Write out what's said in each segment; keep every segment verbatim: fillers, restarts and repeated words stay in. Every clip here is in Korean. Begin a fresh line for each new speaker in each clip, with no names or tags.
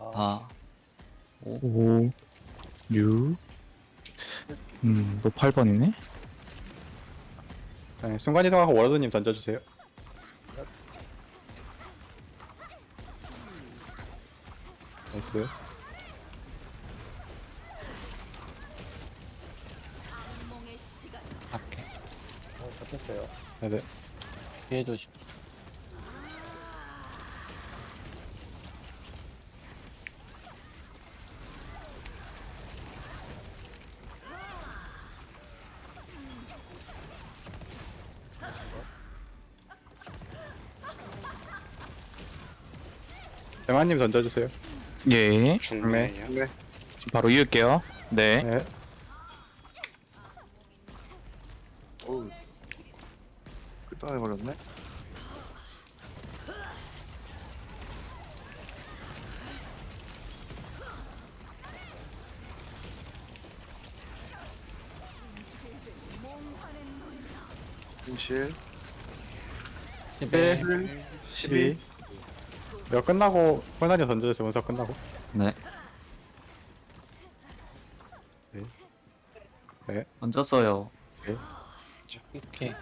사,
오, 육, 음, 너 팔 번이네?
네, 순간이동하고 워러드님 던져주세요. 나이스.
할게.
어, 잡혔어요.
네네.
피해 조심.
대만님 던져주세요.
예.
중매요.
네.
지금 바로 이을게요. 네.
네.
어우. 끝당해버렸네. 진실.
십일.
십이. 이거 끝나고 폴나님 던져주세요. 운석 끝나고.
네.
네.
얹었어요.
오케이.
오케이.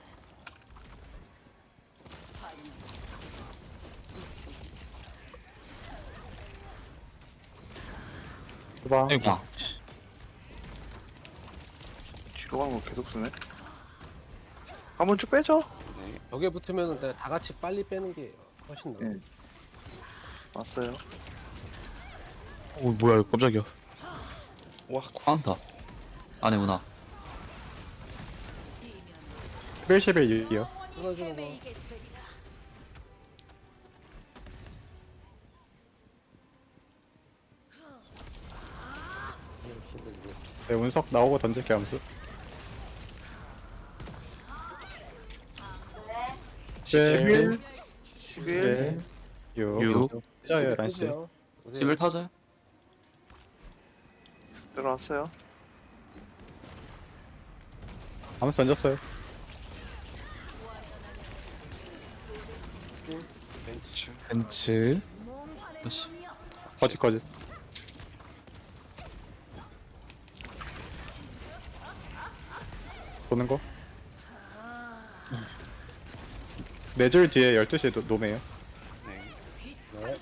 후방.
아이고.
야.
뒤로 가는 거 계속 쓰네. 한번 쭉 빼죠.
벽에 붙으면 다 같이 빨리 빼는 게 훨씬 나아요.
네. 왔어요.
오, 뭐야, 이거 깜짝이야.
와,
카운터. 안에구나.
십일, 십일, 육이요.
끊어주는 거.
네, 운석 나오고 던질게요, 함수.
십일,
십일,
십일,
육.
육.
찢어요, 란씨.
오세요.
십일 터져요?
들어왔어요.
함수 던졌어요.
벤츠.
벤츠.
그렇지.
거짓, 거짓. 보는 거. 네 줄 뒤에 열두 시에 노, 노매요.
네.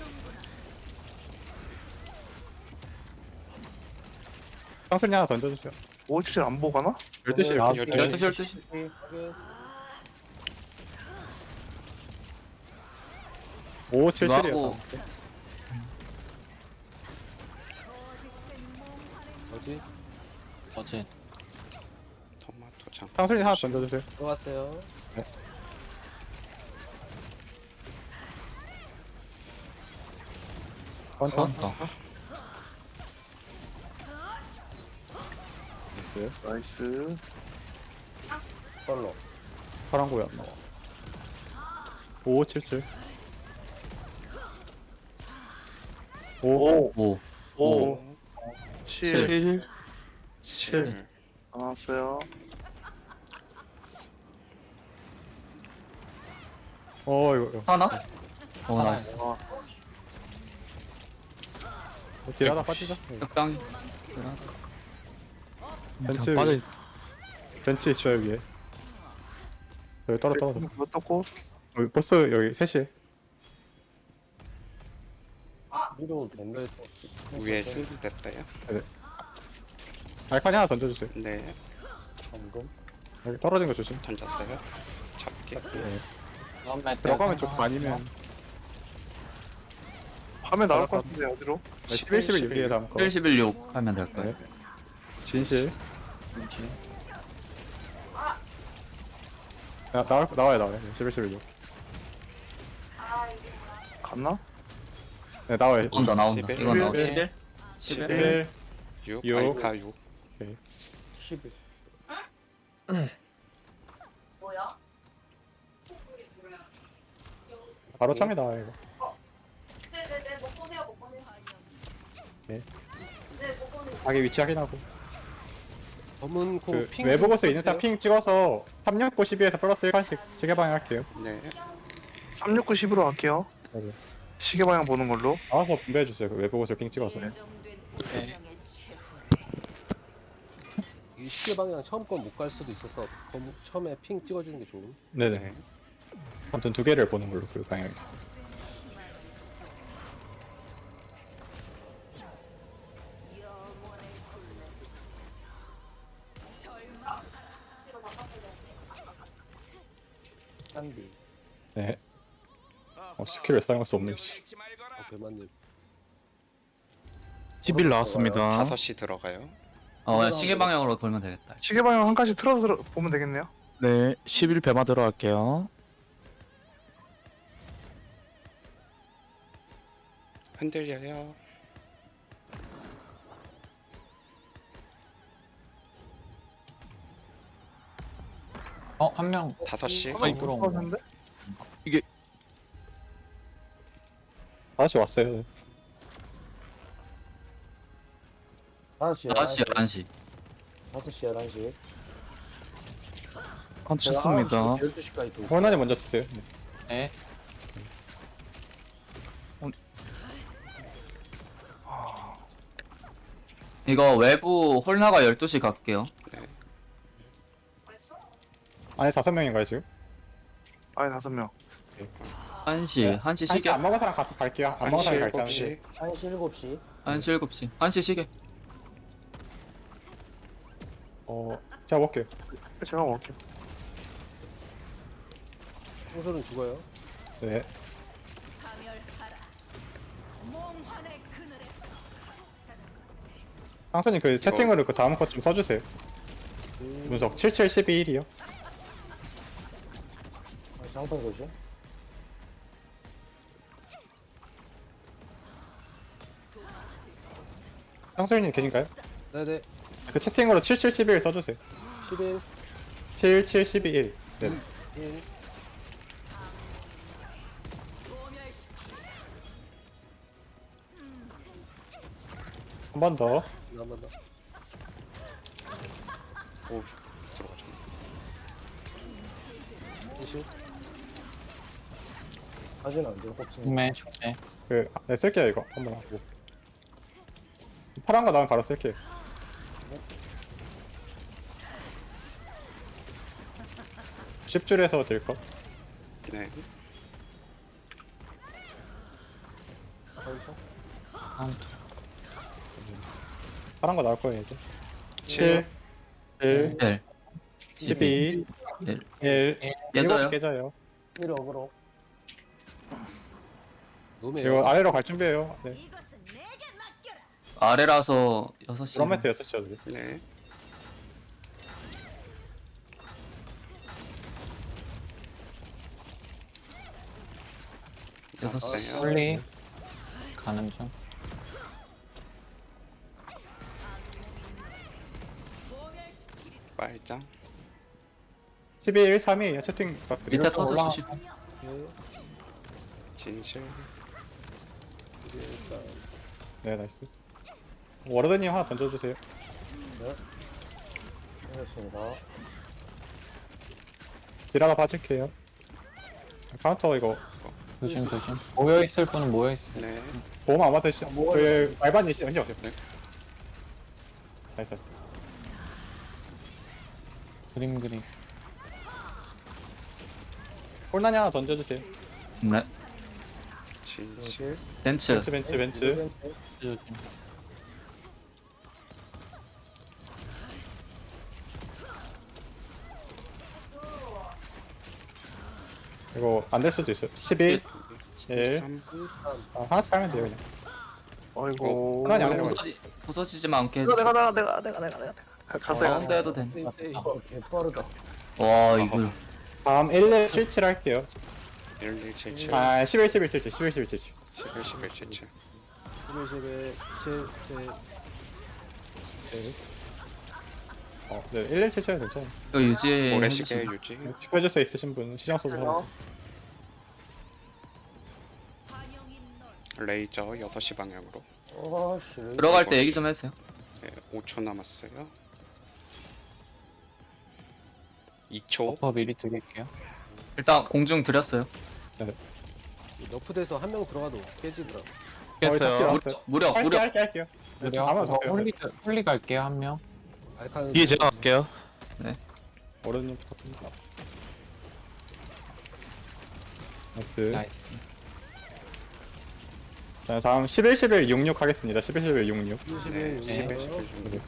상승이 하나 던져주세요.
오십칠 안 보고 가나?
열두 시,
네,
열두 시.
네.
열두 시, 열두 시.
확인.
오, 칠,
이거
칠이요.
하고.
뭐지?
어째.
토마토 장.
상승이 하나 던져주세요.
들어왔어요.
카운터.
카운터.
나이스.
나이스.
솔로.
파란 고야 안 나와. 오, 칠, 칠. 오,
오,
오.
오, 칠.
칠.
칠.
나왔어요.
어, 이거, 이거.
하나? 오, 나이스.
와,
딜 하나 빠지자. 네.
적당히.
벤츠,
빠져.
위- 벤츠 있어요, 위에. 여기 떨어, 떨어져.
뭐 떴고?
여기 버스 여기 셋이.
위로 밴드
위에 승부 됐어요.
알칸이 하나 던져주세요.
네,
점검.
여기 떨어진 거 조심.
던졌어요. 잡기.
들어가면 좋고 아니면
화면 나올 것 같은데, 어디로?
십일, 십일, 육이에 다음 거.
십일, 십일, 육 하면 될 거예요.
진실.
그렇지.
나, 나올, 나와요, 나와요. 십일, 십일, 육.
갔나?
네, 나와요.
나온다, 나온다.
십일.
이건 나온다.
십일.
십일?
십일.
육,
육.
아이카 육.
십일.
바로 참이 나와요, 이거.
네네네 못 보세요 못 보세요.
네.
네못 보세요.
자기 위치 확인하고.
검은 코
그
핑.
외부 고스
좀
있는 사람
써주세요.
핑 찍어서 삼육구 십이에서 플러스 일 칸씩 시계 방향 할게요.
네,
삼육구 십으로 갈게요.
네.
시계 방향 보는 걸로.
나와서 분배해주세요. 그 외부 옷을 핑 찍어서.
네.
이 시계 방향 처음 건 못 갈 수도 있어서 검- 처음에 핑 찍어주는 게 좋음.
네네.
네.
아무튼 두 개를 보는 걸로 그 방향에서.
딴비.
네. 어, 스킬을 사용할 수 없네. 씨.
어, 배만님.
십일 나왔습니다.
다섯 시 들어가요.
어 시계 방향으로 돌면 되겠다.
시계 방향 한 가지 틀어서 들어- 보면 되겠네요.
네, 십일 배마 들어갈게요.
흔들려요.
어 한 명.
다섯 시.
아이 그럼.
틀어졌는데?
다시 왔어요.
다섯 시,
열한 시 열한 시.
다섯 시, 열한 시.
카운트 쳤습니다.
열두 시까지 도
호난이 먼저 드세요. 네.
네. 이거 외부 홀나가 열두 시 갈게요.
안에 다섯 명인가요 지금?
아예 다섯 명.
한 시, 한 시
한시
시계.
안 먹은 사람 가서 갈게요. 안 먹은
한 시,
사람이
일곱
갈게요.
시.
한 시, 일곱 시.
한 시, 일곱 시. 한 시 시계.
어, 제가 먹을게요.
제가 먹을게요.
청소는 죽어요.
네. 상선님 그 채팅으로 그 다음 것 좀 써주세요. 분석 칠칠 십이 일이요.
장판 거죠?
상선님 계신가요?
네네.
그 채팅으로 칠칠 십이 일 써주세요.
십일,
칠칠 십이 일. 네.
일.
한 번 더.
한번 더.
오, 들어가죠.
이십. 사진 안 돼, 혹시.
중매, 중매.
그, 네, 쓸게요 이거 한번 하고. 파란 거 나오면 바로 쓸게요. 십 줄에서 될 거.
네.
거기서.
카운트.
파란 거 나올 거예요 이제.
칠.
칠, 일,
일.
십이,
일.
일.
깨져요.
일곱 깨져요.
일 어그로. 노메요.
이거 아래로 갈 준비해요. 네.
아래라서 여섯 시.
드럼 매트 여섯 시여도
네.
여섯 시.
나왔어요.
빨리 가는 중.
빨장.
십이 일 삼이에요. 채팅 부탁드려요.
밑에 터져 주시.
진실.
네, 나이스. 워러드님 하나 던져주세요.
알겠습니다.
디라가 봐줄게요. 카운터 이거
조심 조심. 모여 있을 분은 모여 있어.
네.
보험 아마 드시. 그 말반이 시 언제 오세요?
네.
나이스. 나이스.
그림 그림.
홀난이 하나 던져주세요.
네.
진실.
벤츠.
벤츠 벤츠 벤츠.
조심.
이거 안 될 수도 있어요. 십일, 일.
삼.
아, 하나씩 하면 돼요 그냥.
어이구.
하나님 안 해요.
부서지, 부서지지만 않게
내가
해주세요.
내가 내가 내가 내가 내가 내가 갔어요.
가운데 해도 돼.
이거 개빠르다.
와 이거.
다음 일 일 칠칠 할게요.
일, 이, 칠, 칠.
아 십일, 십일, 칠칠, 십일, 십일, 칠칠.
십일, 십일, 칠, 칠.
십일, 십일, 칠, 칠.
어, 네, 일 일 칠칠은 괜찮아요.
이거 유지해.
모래시계 유지.
지켜줄 있으신 분 시장 써도 하고.
레이저 여섯 시 방향으로.
어씨.
들어갈 때 얘기 좀 해주세요.
네, 오 초 남았어요. 이 초.
버퍼 미리 드릴게요. 일단 공중 드렸어요.
너프돼서 한 명 들어가도 깨지더라고.
깼어요.
어, 잡기로
무력
할게요
무력.
할게요 할게요. 네,
그래요?
아무나
저
잡게요.
홀리 홀리 갈게요 한 명.
알카는
뒤에 제가 갈게요.
어른님부터 큽니다. 나이스.
나이스.
자 다음 십일, 십일, 육육 하겠습니다. 십일, 십일, 육육.
이십일,
네.
육십일.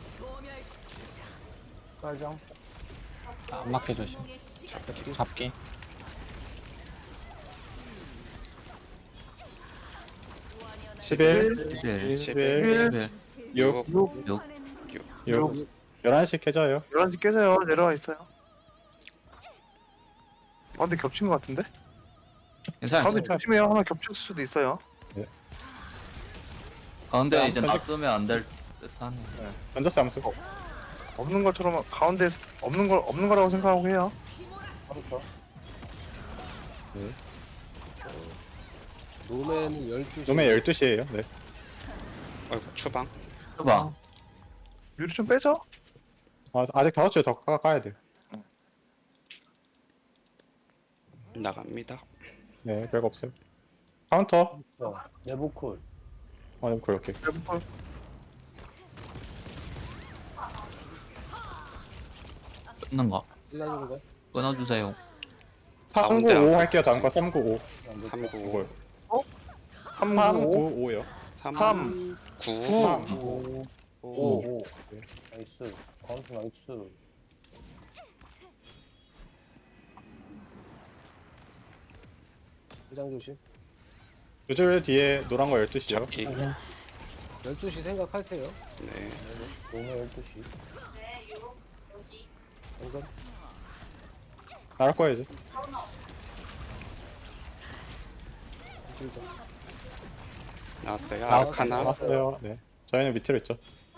빨정. 안 맞게 조심.
잡기.
잡기.
십일,
일,
십일,
일,
육,
육.
육. 열한 시 켜져요.
열한 시 깨져요. 내려와 있어요. 아 근데 겹친 것 같은데?
괜찮아요.
가운데 조심해요. 하나 겹칠 수도 있어요.
가운데
자,
이제
던지-
놔두면 안 될 듯하네.
던졌어 암수.
없는 것처럼 가운데 없는 걸 없는 거라고 생각하고 해요.
노맨은 열두 시.
놈의 열두 시에요. 네.
어이구 추방.
봐.
유리 좀 빼죠.
아, 아직 다섯 줄 더 가야 돼요.
나갑니다.
네, 별거 없어요. 카운터.
내부 쿨.
아, 그렇게.
대부분
끊는 거.
일라주는 거.
끊어주세요.
가운데
삼구오
안
할게요. 다음 거
겹쳤어요.
삼구오.
삼구
이걸.
삼, 구,
삼구오요.
삼,
삼,
구.
삼.
오.
오.
오. 나이스. 카운트 나이스. 회장 조심.
두 줄 뒤에 노란 거 열두 시요.
잡기.
열두 시 생각하세요.
네.
노맨 열두 시.
네, 요, 여기.
방금.
나갈 거야 이제.
이쪽이죠.
나왔어요.
나왔어요.
아르카나.
나왔어요. 네. 저희는 밑으로 있죠.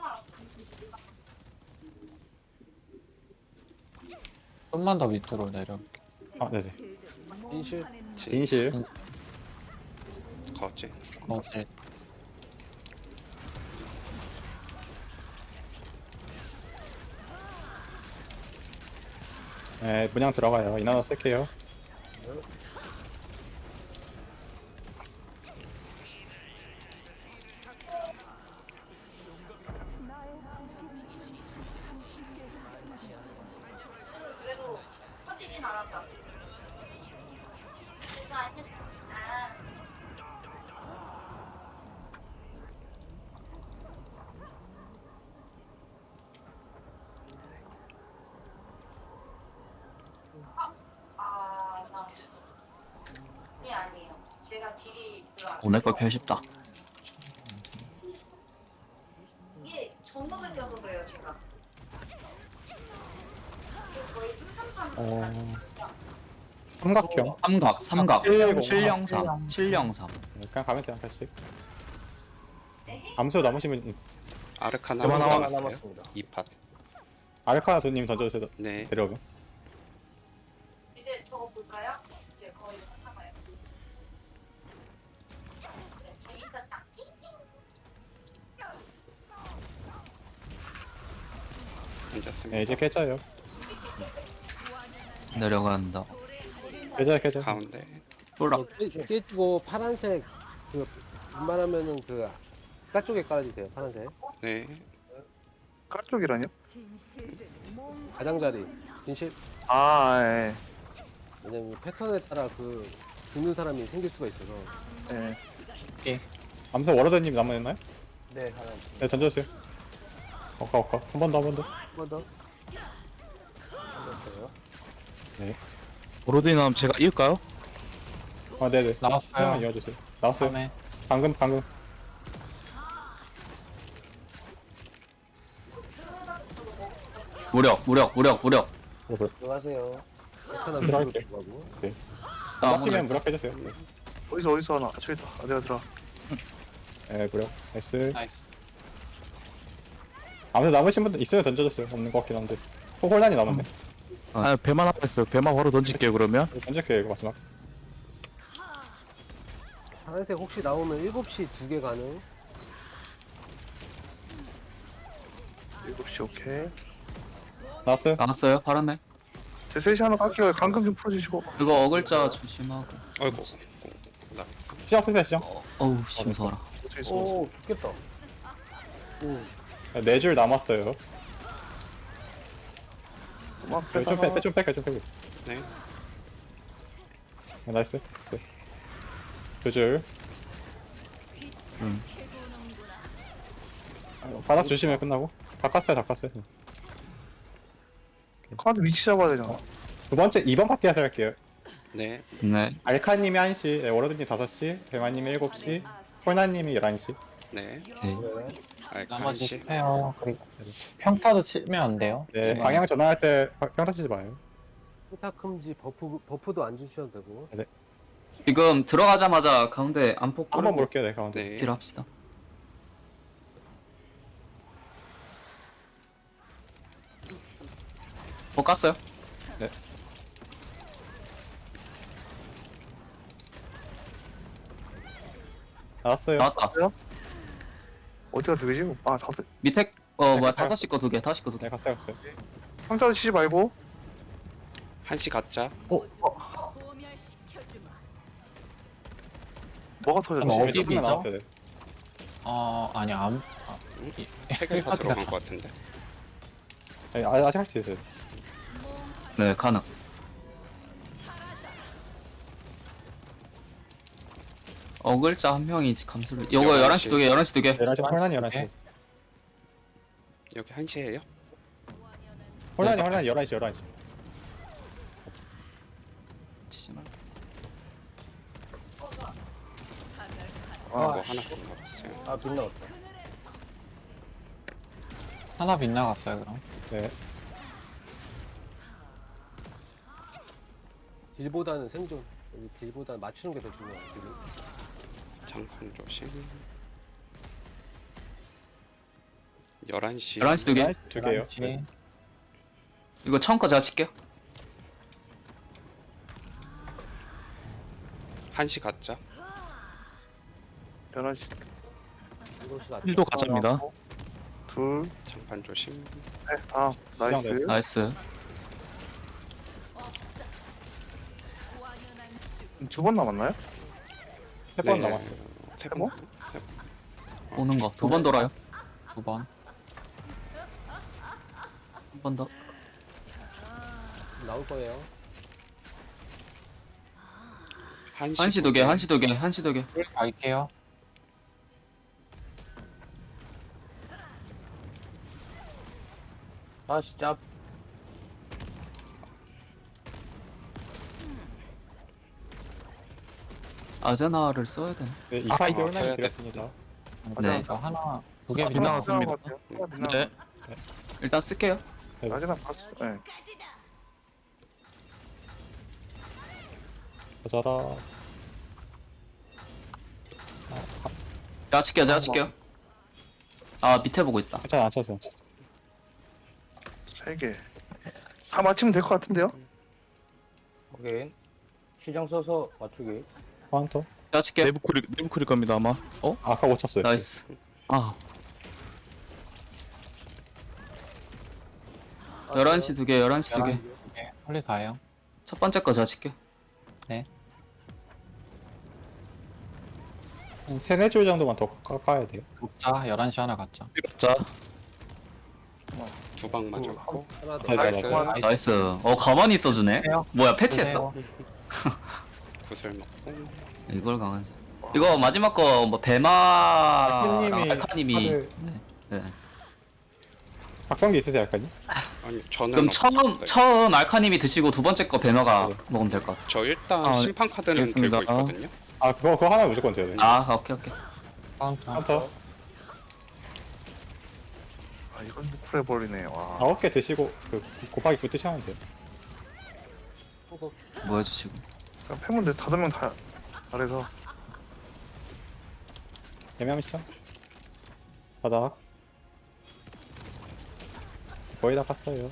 좀만 더 밑으로 내려올게.
아, 네네.
인실.
진실.
거제.
어제
네, 문양 들어가요. 이나나 쓸게요.
그래도 터지진 않았다. 그래서 안 했- 아, 아, 나. 네, 아니에요. 제가 딜이 별로 안
오늘 거 켜십다.
이게 전복을 껴서 그래요, 제가. 이게 거의 삼삼삼.
어. 삼각형.
삼각, 삼각.
칠공.
칠영삼, 칠영삼.
네, 그냥 가면 돼요. 한 칸씩. 암수 남으시면 있-
아르카나
그만
하나
나와.
남았어요. 이 팟.
아르카나 두님 던져주세요.
네.
내려오면.
이제 저거 볼까요? 이제 거의 삼삼아요. 네, 재밌었다.
던졌습니다.
네, 이제 깨져요.
내려간다.
깨져요, 깨져요.
가운데.
쫄라.
어, 깨- 깨지고 파란색 그 웬만하면은 그 바깥 쪽에 깔아주세요. 파란색.
네.
까쪽이라뇨?
가장자리. 진실.
아, 예.
왜냐면 패턴에 따라 그 죽는 사람이 생길 수가 있어서.
예.
암수 워러드님 남아있나요?
네, 하나.
네, 던져주세요. 어까, 어까. 한 번 더, 한 번 더.
한 번 더. 던졌어요.
오로드님 제가 이을까요?
아, 네네.
나왔어요.
하나만 이어주세요. 나왔어요.
다음에
방금, 방금.
무력, 무력, 무력, 무력.
들어가세요. 패턴 안
들어갈게요.
들어가고.
나
무력이면
아무나
무력해주세요. 네,
어디서 어디서 하나? 저기다. 아, 내가 들어.
네, 무력. 나이스.
나이스.
아무튼 남으신 분들 있어요, 던져줬어요. 없는 것 같긴 한데. 호- 혼란이 남았네.
아 배만 하나 있어요. 배만 바로 던질게요 그러면.
던질게요, 이거 마지막.
파란색 혹시 나오면 일곱 시 두 개 가능.
일곱 시 오케이.
나왔어요?
나왔어요? 파란색?
제 셋이 하나 깎여요. 감금 좀 풀어주시고.
이거 어글자 조심하고.
어이구. 오, 나이스.
시정 쓰세요 시정.
어, 어우 씨 무서워라.
어떻게 써?
오 죽겠다. 오
네 줄 남았어요.
막
좀
빼다가
빼, 좀 빼, 좀 빼.
네.
나이스. 됐어요. 두 줄.
음.
바닥 조심해 끝나고. 다 깠어요, 다 깠어요.
카드 위치 잡아야 되잖아.
두 번째 이 번 파티 하서 할게요.
네.
네.
알카님이 한 시, 네, 워러드님 다섯 시, 배마님이 일곱 시, 폴나님이 열한 시.
네.
오케이.
나머지
알칸시.
스페어 그리고 평타도 치면 안 돼요.
네,
네.
방향 전환할 때 평타 치지 마요.
스타큼지 버프 버프도 안 주셔도 되고.
지금 들어가자마자 가운데 안폭
한번
끌고
볼게요, 네, 가운데.
네.
딜 합시다. 뭐 깠어요?
나왔어요.
나왔다.
어디가 두 개지? 아 다섯.
밑에 어
네,
뭐야
깠어요.
다섯 시 거 두 개, 다섯 시 거 두 개.
네, 갔어요, 갔어요.
삼자도 치지 말고.
한시 가짜.
뭐가 터졌지?
그럼 어디
네, 조금만
비죠?
나왔어요, 네.
어 아니 안 아,
세개 다 들어간 것 같은데.
네, 아- 아직 할 수 있어요.
네, 가능. 어글자 한 명이 감수를. 요거
열한
열한 시
시.
두 개, 열한 시 두 개.
열한 시, 폴나님 열한 시.
네.
여기 한시예요?
폴나님, 폴나님 열한 시, 열한 시.
치지 말고.
아,
아,
뭐 하나 먹었어요.
아 빗나갔다.
하나 빗나갔어요 그럼.
네.
딜보다는 생존. 여기 딜보다는 맞추는 게 더 중요해. 딜은.
장판 조심. 열한 시.
열한 시 두 개.
열한 시 두 개요.
열한 시.
네.
이거 처음 거 제가 칠게요.
한시 가짜.
열한 시.
일곱 시 맞죠?
힐도 가자입니다.
둘.
장판 조심.
네, 다. 나이스.
나이스.
나이스.
두 번 남았나요?
세 번
네.
남았어요.
세
번?
번? 세 번.
오는 거 두 번 돌아요.
두 번.
한 번 더.
나올 거예요.
한시,
한 시 두 개, 한 시 두 개, 한 시 두 개.
힐 갈게요.
아 진짜.
아제나를 써야 되나?
네, 이 파이드
아,
홀나님
써야
드렸습니다.
네.
저 하나 두 개
아,
빗나갔습니다.
빗나간 것 같아요. 하나
네.
빗나간
일단 쓸게요.
것 같아요. 아직 봤어. 네.
여자다.
제가 칠게요, 제가 칠게요. 아 밑에 보고 있다.
괜찮아, 안 쳐서.
세 개. 다 맞히면 될 것 같은데요?
오케이. 시장 써서 맞추기.
카운터.
제가 칠게요.
내부 쿨일 내부 쿨일 겁니다 아마. 어?
아까 못 쳤어요.
나이스.
아
열한 시 두 개, 열한 시 두 개.
네, 홀리 가요.
첫 번째 거 제가 칠게요.
한 세네 줄 정도만 더 까- 까야 돼요.
자 열한 시 하나 갔죠.
자
두 방 맞았고.
하나 더.
네, 네,
나이스.
네.
나이스. 어 가만히 있어주네.
해요.
뭐야 패치했어?
구슬 먹고.
이걸 강하지. 이거 마지막 거 뭐 배마랑
알카님이
알카님이.
카드-
네. 네.
박성기 있으세요, 알까니?
아니 저는
그럼 처음
없었어요.
처음 알카님이 드시고 두 번째 거 배마가
네.
먹으면 될 것 같아.
저 일단
아,
심판 카드는
알겠습니다.
들고 있거든요.
아, 그거 그거 하나 무조건 줘야 돼.
아 오케이 오케이.
카운터.
카운터
아, 이건 쿨해 버리네. 와.
아홉 개 드시고 그 곱하기 구 드시면 돼요.
뭐 해주시고.
그냥 패면 돼. 다섯 명 다. 잘해서.
애매한 시죠? 바닥. 거의 다 깠어요.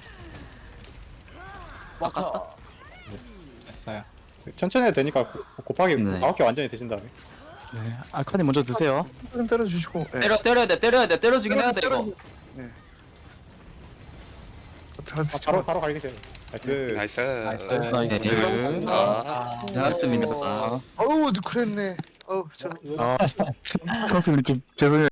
아깝다.
됐어요.
천천히 해도 되니까 고- 곱하기
네.
아홉 개 완전히 드신 다음에.
네. 알카님 먼저 드세요.
좀 때려주시고. 네.
때려 때려야 돼 때려야 돼 때려주긴 해야 돼 이거.
다,
아,
다,
바로 바로 갈게 돼요. 나이스.
나이스.
나이스.
나이스.
네.
아,
잘했습니다.
아우, 그랬네. 어우 저
이거
아, 선수님 좀 죄송해요.